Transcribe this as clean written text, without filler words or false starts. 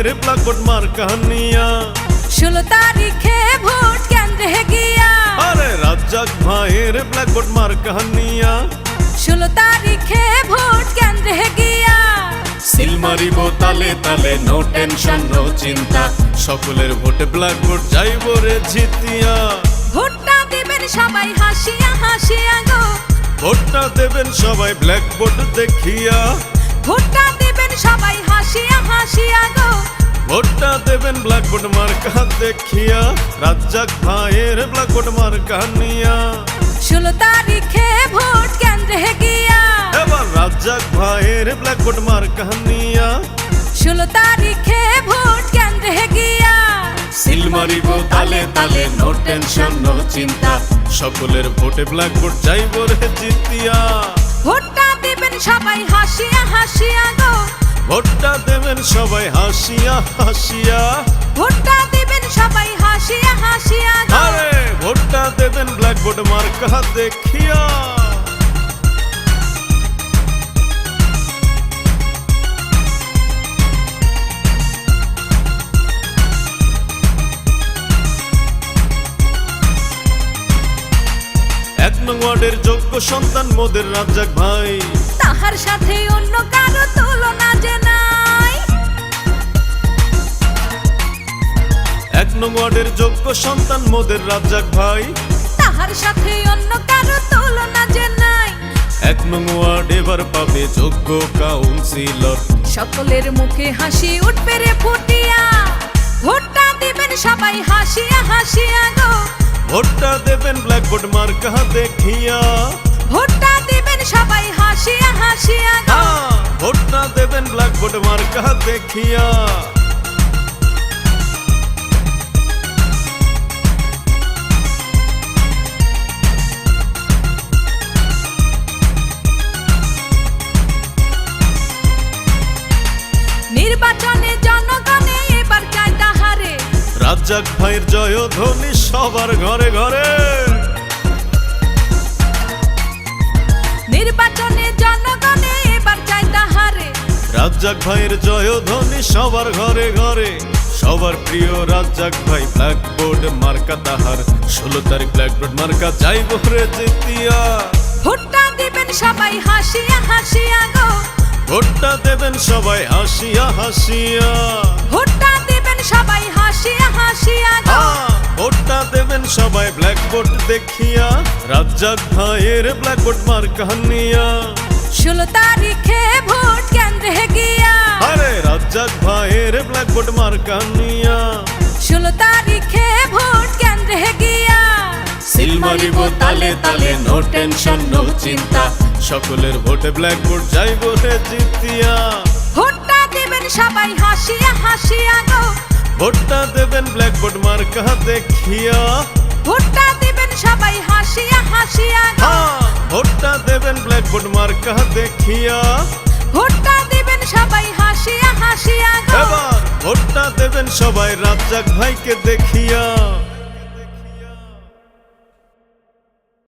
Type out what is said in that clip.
ভাইয়ের ব্ল্যাকবোর্ড মার্কা নিয়া 16 তারিখে ভোট কেন্দ্রে গিয়া আরে রাজ্জাক ভাইয়ের ব্ল্যাকবোর্ড মার্কা নিয়া 16 তারিখে ভোট কেন্দ্রে গিয়া সিল মারিব তালে তালে, নো টেনশন নো চিন্তা, সকলের ভোটে ব্ল্যাকবোর্ড যাইব রে জিতিয়া। ভোটটা দিবেন সবাই হাসিয়া হাসিয়া গো, ভোটটা দেবেন সবাই ব্ল্যাকবোর্ড দেখিয়া, ভোটটা দিবেন সবাই হাসিয়া হাসিয়া গো, ভোটটা দেবেন ব্ল্যাকবোর্ড মার্কা দেখিয়া, রাজ্জাক ভাইয়ের ব্ল্যাকবোর্ড মার্কা নিয়া 16 তারিখে ভোট কেন্দ্রে গিয়া এবার রাজ্জাক ভাইয়ের ব্ল্যাকবোর্ড মার্কা নিয়া 16 তারিখে ভোট কেন্দ্রে গিয়া সিল মারিব তালে তালে, নো টেনশন নো চিন্তা, সকলের ভোটে ব্ল্যাকবোর্ড যাইব রে জিতিয়া। ভোটটা দিবেন সবাই হাসিয়া হাসিয়া গো, ভোটটা দেবেন সবাই হাসিয়া হাসিয়া, ভোটটা দিবেন সবাই হাসিয়া হাসিয়া গো, আরে ভোটটা দেবেন ব্ল্যাকবোর্ড মার্কা দেখিয়া। এক নং ওয়ার্ডের যোগ্য সন্তান মোদের রাজ্জাক ভাই, তাহার সাথে অন্য কারো তুলনা যে নাই। এক নং ওয়ার্ডের যোগ্য সন্তান মোদের রাজ্জাক ভাই, তাহার সাথে অন্য কারো তুলনা যে নাই। এক নং ওয়ার্ড এবার পাবে যোগ্য কাউন্সিলর, সকলের মুখে হাসি উঠবে রে ফুটিয়া, ভোটটা দিবেন সবাই হাসিয়া হাসিয়া গো, ভোটটা দেবেন ব্ল্যাকবোর্ড মার্কা দেখিয়া, ভোটটা দিবেন সবাই হাসিয়া হাসিয়া গো, ভোটটা দেবেন ব্ল্যাকবোর্ড মার্কা দেখিয়া। নির্বাচনে জনগণে এবার চায় তাহারে, রাজ্জাক ভাইয়ের জয়ধ্বনি সবার ঘরে ঘরে, নির্বাচনে জনগণে এবার চায় তাহারে, রাজ্জাক ভাইয়ের জয়ধ্বনি সবার ঘরে ঘরে, সবার প্রিয় রাজ্জাক ভাই ব্ল্যাকবোর্ড মার্কা তাহার, 16 তারিখ ব্ল্যাকবোর্ড মার্কা যাইব রে জিতিয়া। ভোটটা দিবেন সবাই হাসিয়া হাসিয়া গো, ভোটটা দেবেন সবাই হাসিয়া হাসিয়া, ভোটটা দিবেন সবাই হাসিয়া হাসিয়া গো, ভোটটা দেবেন সবাই ব্ল্যাকবোর্ড দেখিয়া, রাজ্জাক ভাইয়ের ব্ল্যাকবোর্ড মার্কা নিয়া 16 তারিখে ভোট কেন্দ্রে গিয়া আরে রাজ্জাক ভাইয়ের ব্ল্যাকবোর্ড মার্কা নিয়া 16 তারিখে ভোট কেন্দ্রে গিয়া সিল মারিব তালে তালে, নো টেনশন নো চিন্তা, সকলের ভোটে ব্ল্যাকবোর্ড যাইব রে জিতিয়া। ভোটটা দিবেন সবাই হাসিয়া হাসিয়া গো, ভোটটা দেবেন ব্ল্যাকবোর্ড মার্কা দেখিয়া, ভোটটা দিবেন সবাই হাসিয়া হাসিয়া গো, ভোটটা দেবেন ব্ল্যাকবোর্ড মার্কা দেখিয়া, ভোটটা দিবেন সবাই হাসিয়া হাসিয়া গো, এবার ভোটটা দেবেন সবাই রাজ্জাক ভাইকে দেখিয়া।